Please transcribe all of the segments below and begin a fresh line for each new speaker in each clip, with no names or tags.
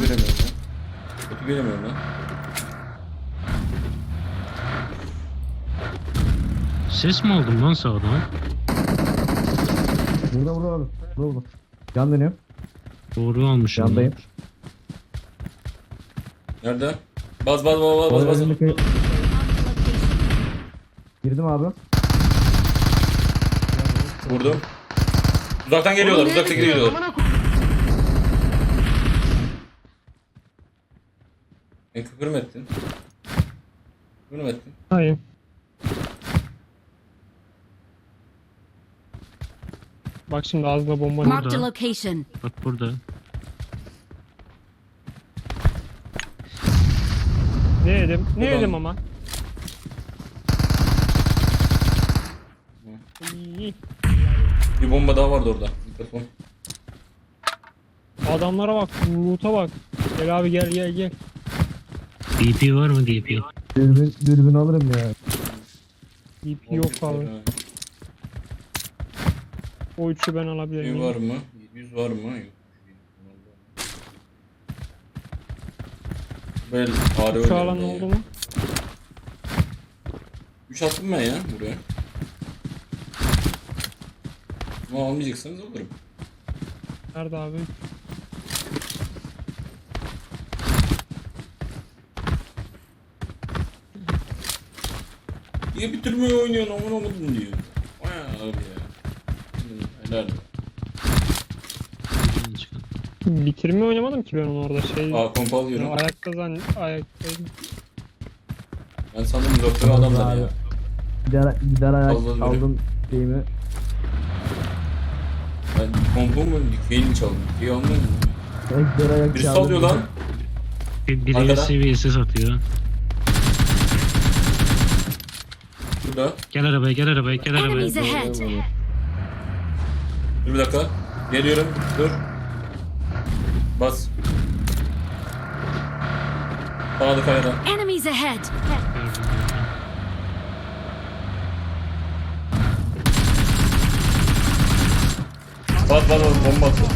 göremiyorum lan. Botu göremiyorum lan.
Ses mi aldım lan sağdan?
Burada abi. Burada. Yan dönüyorum.
Doğru almışım.
Yandayım.
Nerede? Baz.
Önündeki- Girdim abi.
Vurdum. Uzaktan geliyorlar. Küfür mü ettin?
Hayır. Bak şimdi ağzına bomba ne?
Marked a location.
Bak burada.
Ne yedim? Ne
Ulan.
yedim ama? İyi.
Bir bomba daha vardı orada. Mikrofon.
Adamlara bak, loot'a bak. Gel abi gel.
DP var mı DP?
Dürbün alırım ya.
DP yok abi. O üçü ben alabilirim.
Var mı? 700 var mı? Yok. Böyle ağrı
Şu alan oldu mu?
3 attım ben ya buraya. Ama almayacaksanız alırım.
Nerede abi?
Niye bitirmiyor oynuyorsun aman aman diyor. Vay abi ya. Helal.
Bitirme oynamadım ki ben onu orada şey.
Kompa alıyorum.
Ayaktaydım.
Ben sandım doktor adamlar ya.
Gider ayak
Aldım
aldım şeyimi.
Ben kompa mı dikeyi çaldım? Dikeyi almıyor mu?
Gider ayak
Birisi alıyor lan.
Biri
Arkada.
seviyesi satıyor.
Burada.
Gel arabaya.
Enemies ahead.
Dur bir dakika. Geliyorum. Dur. Bas. Sağda kayada.
Enemies ahead.
Bas bomba attı.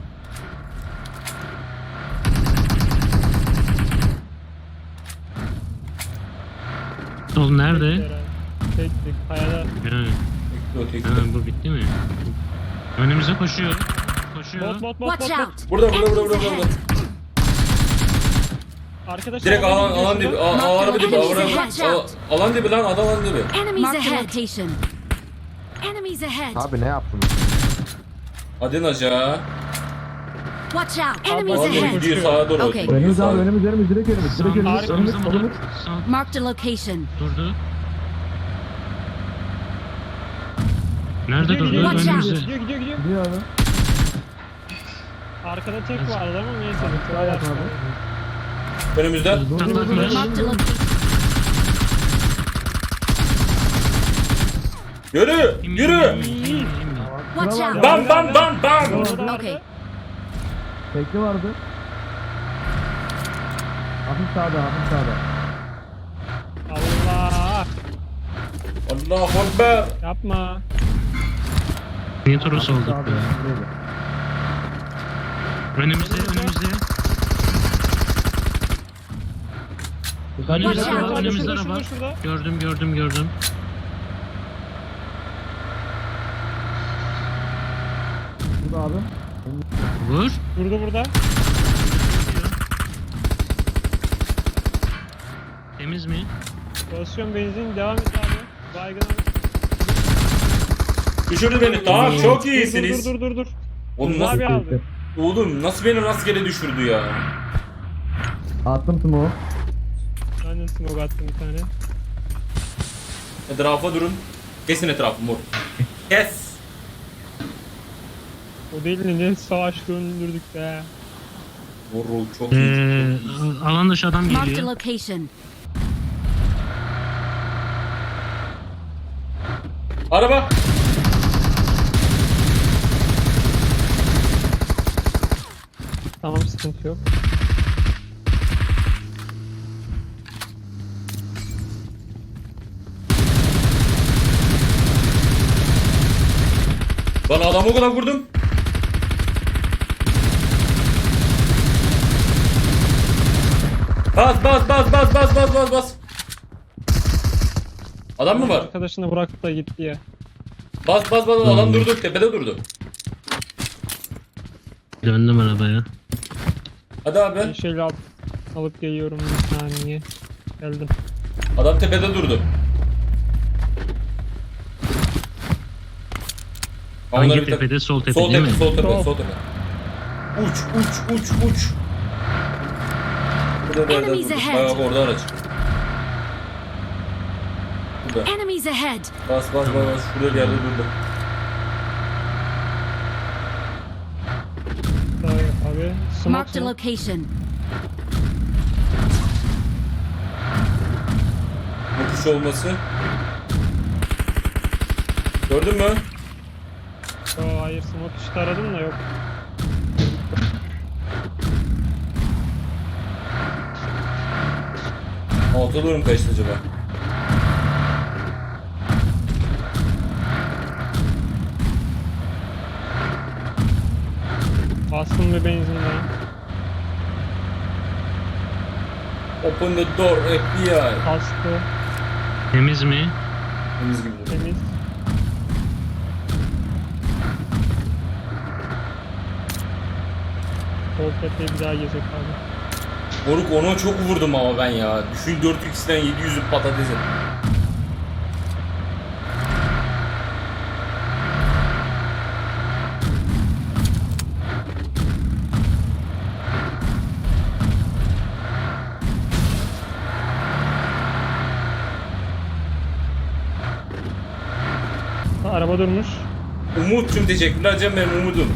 Sol nerede?
Tek kayada.
Ha,
Tek.
ha, bu bitti mi? Önümüze koşuyor.
Bot.
Watch out.
Burada.
Arkadaşlar
Direkt alan dibi. Araba dibi.
Watch out.
Alan dibi lan alan dibi.
Enemies ahead. Location. Enemies ahead.
Abi ne yaptın?
Hadi aşağı.
Watch out. Enemies
Abi
ahead.
gidiyor sağa doğru.
Okay.
Gidiyor
Önümüz
sağa.
abi önümüz direkt önümüz.
Arkamızda
Önümüz solumuz.
Marked a location.
Durdu. Nerede
Gidiyor,
durdu?
Watch out.
Önümüze.
Gidiyor.
Gidiyor abi.
Arkada tek vardı ama neyse.
Ayak abi.
Önümüzde.
Taklatmış.
Marked a location.
Yürü.
Watch out.
Bam.
Okay.
Tekli vardı. Hafif sağda.
Allah.
Allahu Ekber.
Yapma.
Niye olduk
Sağda.
be? Önümüzde.
Watch out.
Önümüzde
Şurada,
araba.
şurada.
Gördüm.
Burada abi.
Vur.
Burada.
Temiz mi?
Basıyorum benzin devam et abi. Baygın abi.
Düşürdü beni. Tamam çok iyisiniz.
Dur.
Oğlum
Abi
nasıl,
aldı.
nasıl beni rastgele düşürdü ya?
Attım smoke.
Ben de smoke attım bir tane.
Etrafa durun. Kesin etrafı mor. Kes.
O değil ne savaş döndürdük be.
Mor çok iyi.
Alan dışı adam
Marked a
geliyor.
location.
Araba.
Tamam sıkıntı yok.
Lan adamı o kadar vurdum. Bas bas bas bas bas bas bas bas. Adam mı var?
Arkadaşını bırakıp da gitti ya.
Bas bas bas, adam durdu, tepede durdu.
Döndüm arabaya.
Hadi abi.
Ben şöyle alıp geliyorum bir saniye. Geldim.
Adam tepede durdu.
Hangi
Onları bir tak-
tepede? Sol tepe
Sol
değil
tepe,
mi?
sol tepe,
Sol.
sol tepe. Uç, uç, uç, uç. Burada bir yerde
Enemies
durdu.
ahead.
Bak orada araç. Burada.
Enemies ahead.
Bas bas bas bas. Şurada bir yerde durdu.
Abi
Marked a
smoke mu?
location.
Bu kuş olması. Gördün mü?
Yo, hayır smoke işte aradım da yok.
Alta doğru mu kaçtı acaba?
Bastım bir benzinden.
Open the door FBI.
Kastı.
Temiz mi?
Temiz gibi duruyor.
Temiz. Sol tepeyi bir daha gezek abi.
Moruk ona çok vurdum ama ben ya. Düşün 4x'den 700'ü patatesi.
Ha, araba durmuş.
Umut'cum teşekkürler canım benim Umut'um.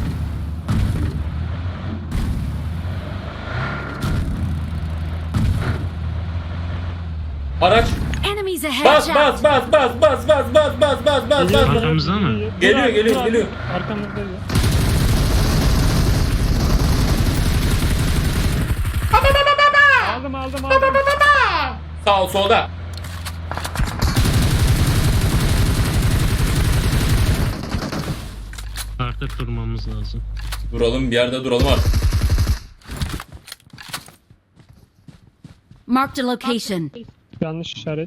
Araç.
Enemies ahead.
Bas
Watch
bas
out.
bas bas bas bas bas bas bas bas bas.
Arkamızda mı?
Geliyor,
Dur abi,
geliyor,
dur abi.
geliyor.
Arkamızda ya. Aldım.
Sağ ol solda.
Artık durmamız lazım.
Duralım bir yerde duralım artık.
Marked a location.
Yanlış işaret.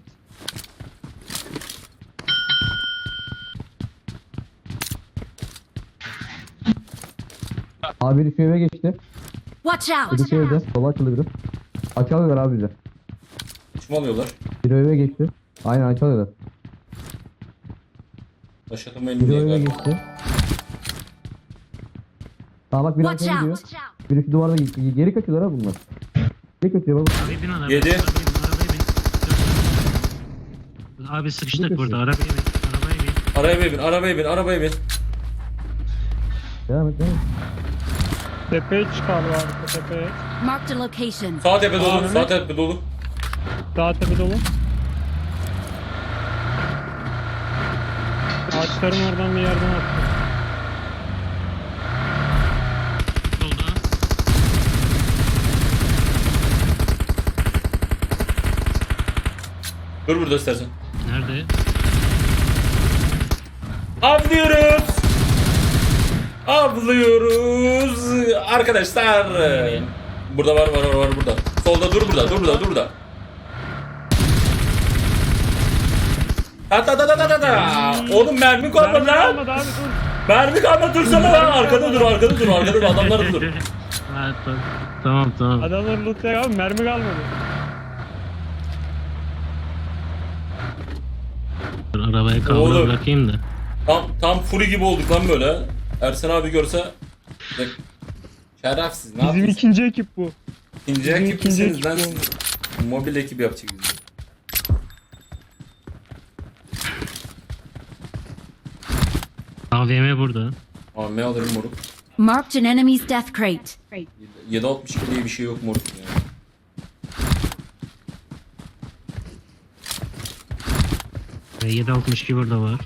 Abi biri şu eve geçti.
Watch out.
Biri şu evde. Sola açıldı biri. Açalıyorlar abi bizi.
Kim alıyorlar?
Biri eve geçti. Aynen açalıyorlar.
Başlatım
Biri
elini
eve
diye.
geçti. Tamam bak biri
Watch
arkaya gidiyor.
out.
Biri şu duvarda gitti. Geri kaçıyorlar ha bunlar. Geri kaçıyor bak.
Abi bin arabaya.
Yedi.
Arabaya bin. Abi sıkıştık burada. Arabaya bin. Arabaya bin.
Arabaya bin, arabaya bin, arabaya bin.
Devam et devam et.
Tepeye çıkar abi tepeye.
Marked a location.
Sağ tepe dolu,
Abi.
sağ tepe dolu.
Daha tepe dolu. Ağaçların oradan bir yerden attı.
Solda.
Dur burada istersen.
Nerede?
Avlıyoruz. Avlıyoruz. Arkadaşlar. Burada var burada. Solda dur burada. Ta. Oğlum mermi kalmadı
Mermi
lan.
almadı abi dur.
Mermi kalmadı dursana lan. Arkada dur adamlar dur.
Ha, tamam.
Adamlar loot'ya abi mermi kalmadı.
Dur, arabaya kavra
Oğlum.
bırakayım da.
Tam Fury gibi olduk lan böyle. Ersen abi görse. Şerefsiz ne
Bizim
yapıyorsun?
ikinci ekip bu.
İkinci
bizim
ekip
ikinci
misiniz lan
ekip
siz? Mobil ekip yapacak bizi.
AVM burada.
AVM alırım moruk.
Marked an enemy's death crate.
7.62 diye bir şey yok moruk ya.
Ve 7.62 burada var.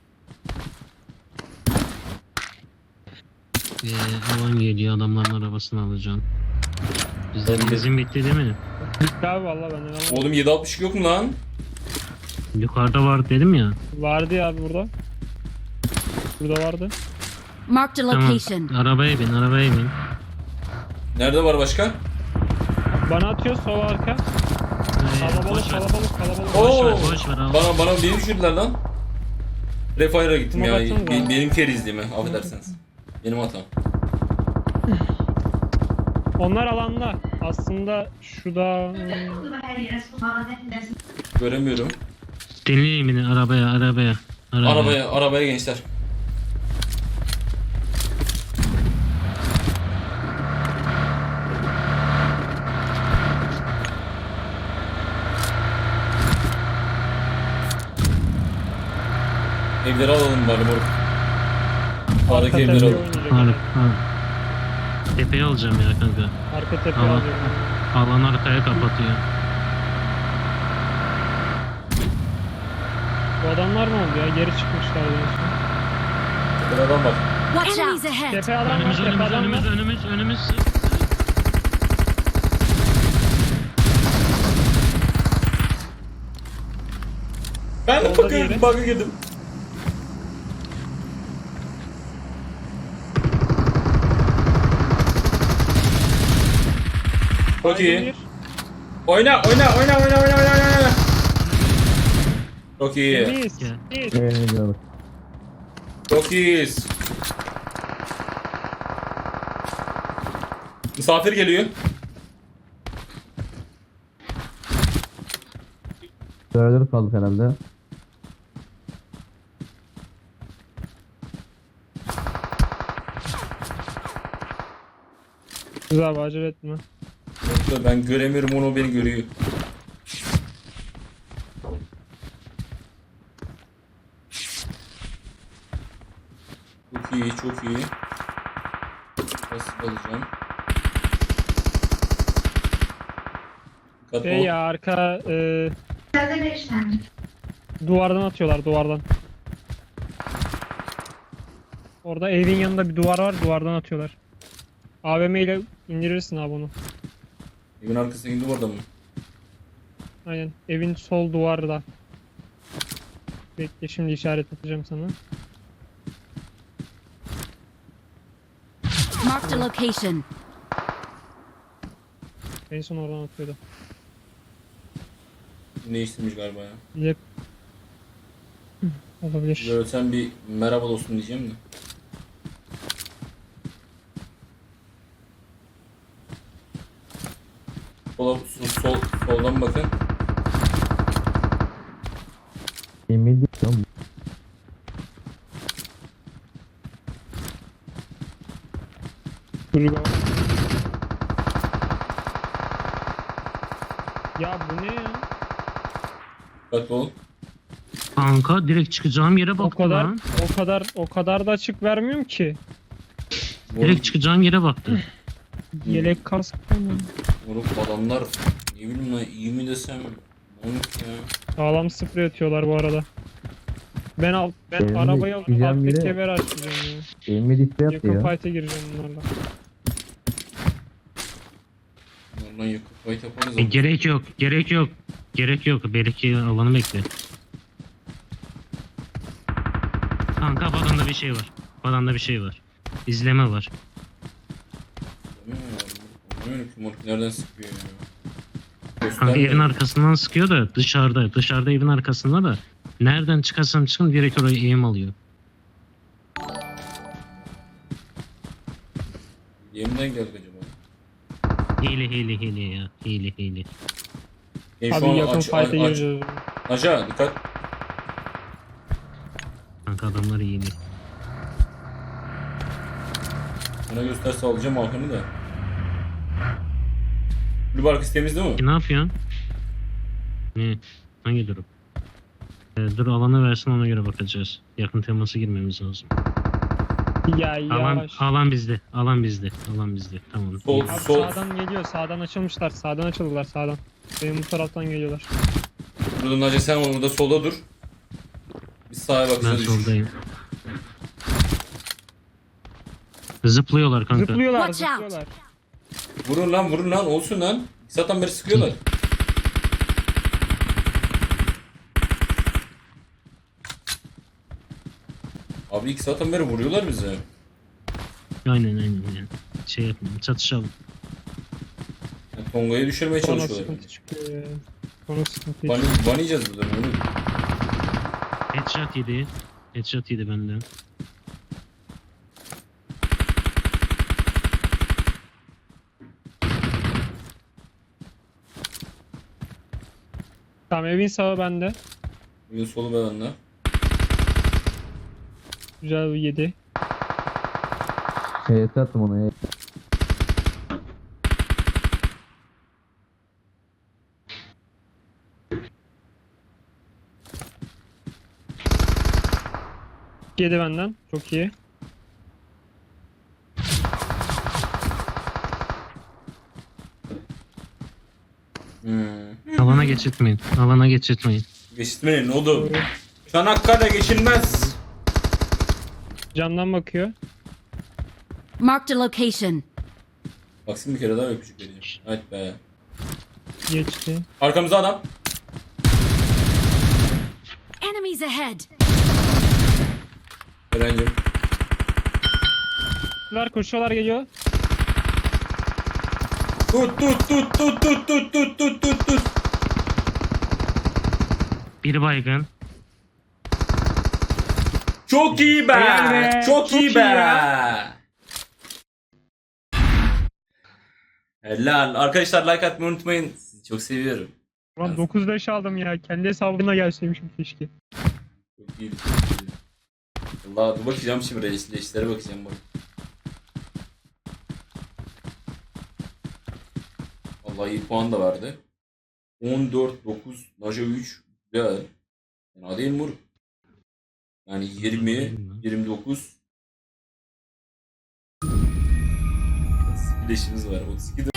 Alan geliyor, adamların arabasını alacağım. Bizde
Ben de-
benzin bitti değil mi?
Bitti abi valla benden almadım.
Oğlum 7.62 yok mu lan?
Yukarıda var dedim ya.
Vardı ya abi burada. Burada vardı.
Marked a
Tamam.
location.
Arabaya bin.
Nerede var başka?
Bana atıyor sol arka. Kalabalık
Boş ver.
kalabalık.
Oo!
Boş ver abi.
Bana beni düşürdüler lan. Refire'a gittim ya.
Baksanıza.
Benim kerizliğime affedersiniz. Benim hatam.
Onlar alanda. Aslında şurada
Göremiyorum.
Dinleyin beni arabaya.
Arabaya gençler. Evleri alalım bari moruk. Sağdaki
arka
evleri
tepeye
alalım.
oynayacak.
Harbi. Tepeye alacağım ya kanka.
Arka tepeye
Tamam.
alacak.
Alan arkaya kapatıyor.
Bu adamlar ne oldu ya? Geri çıkmışlar diyorsun.
Tepede adam var.
Watch Enemies ahead!
Tepe adam var,
Önümüz
tepe adam var.
önümüz.
Ben de
Solda diğeri.
bug'a girdim. Çok iyi.
Aydın bir.
Oyna. Çok iyi.
Temiz.
Gel.
Temiz.
Gidiyorlar.
Çok iyiyiz. Misafir geliyor.
Dördür kaldık herhalde.
Güzel abi acele etme.
Yoksa ben göremiyorum onu o beni görüyor. Çok iyi. Nasıl alacağım? Dikkatli
Şey
ol.
ya arka duvardan atıyorlar duvardan. Orada evin yanında bir duvar var, duvardan atıyorlar. AVM ile indirirsin abi onu.
Evin arkasına gidip orada mı?
Aynen. Evin sol duvarda. Bekle şimdi işaret atacağım sana.
Marked a location.
En son oradan atıyordu.
Değiştirmiş galiba ya.
Yep. Olabilir.
Görsen bir merhaba dostum diyeceğim de. Soldan bakın.
Emin değil lan.
Kulübe var. Ya bu ne ya?
Dikkatli ol.
Kanka direkt çıkacağım yere
O
baktı
kadar
lan.
o kadar da açık vermiyorum ki.
Direkt çıkacağım yere baktı.
Yelek kask mı?
Moruk adamlar ne bileyim lan iyi mi desem. Moruk ya.
Sağlam sprey atıyorlar bu arada. Ben
Benim de
arabayı alıp
gideceğim
alttaki
yere-
kemer açacağım ya.
Emin isteği attı
Yakın
ya.
fight'e gireceğim bunlarla.
Oradan yakıp fight yaparız.
Gerek yok. Belki alanı bekle. Kanka badanda bir şey var. İzleme var.
Moruk nereden sıkıyor ya?
Kanka
Gösterme.
evin arkasından sıkıyor da dışarıda evin arkasında da nereden çıkarsam çıkın direkt oraya eğim alıyor.
Yemden geldik acaba?
Hile ya. Hile.
Şu
Abi
an
yakın
aç.
fight'e gireceğiz.
Aşağı dikkat.
Kanka adamlar hile.
Bana gösterse alacağım Hakan'ı da. Kulüp arkası temiz değil mi?
Ne yapıyorsun? Ne? Hangi durum? Dur alanı versin ona göre bakacağız. Yakın teması girmemiz lazım.
Ya yavaş.
Alan bizde. Tamam.
Sol.
Abi sağdan geliyor. Sağdan açılmışlar. Sağdan açıldılar sağdan. Benim bu taraftan geliyorlar.
Burada Naci sen orada solda dur. Biz sağa
Ben
bakacağız.
soldayım. Zıplıyorlar kanka.
Zıplıyorlar.
Watch out.
Zıplıyorlar.
Vurun lan olsun lan. Zaten beri sıkıyorlar. Abi 2 saatten beri vuruyorlar bize.
Aynen. Şey yapalım. Çatışalım.
Tonga'yı düşürmeye
Sonra
çalışıyorlar.
sıkıntı çıkıyor ya. Sonra sıkıntı
Ban,
çıkıyor.
ban yiyeceğiz buradan oğlum.
Headshot yedi. Headshot yedi benden.
Tamam evin sağı bende.
Bugün solu bedende.
Güzel bir 7.
HS attım ona.
Yedi benden. Çok iyi.
Alana geçirtmeyin. Alana geçirtmeyin.
Geçitmeyin oğlum. Çanakkale geçilmez.
Camdan bakıyor.
Marked a location.
Baksın bir kere daha öpücük vereceğim. Evet be.
Geçti.
Arkamızda adam.
Enemies ahead.
Eren'cim.
Koşuyorlar geliyor.
Tut.
Bir baygın.
Çok iyi be.
Helal be,
Çok
çok
iyi
iyi
be.
ya.
Helal. Arkadaşlar like atmayı unutmayın. Sizi çok seviyorum.
Ulan 9-5 aldım ya. Kendi hesabına gelseymişim keşke.
Çok iyi. Allah dur bakacağım şimdi reislere bakacağım bak. Allah iyi puan da verdi. 14 9 Naja 3 güzel. Fena değil mi? Yani 20 29 32 leşimiz var. 32 de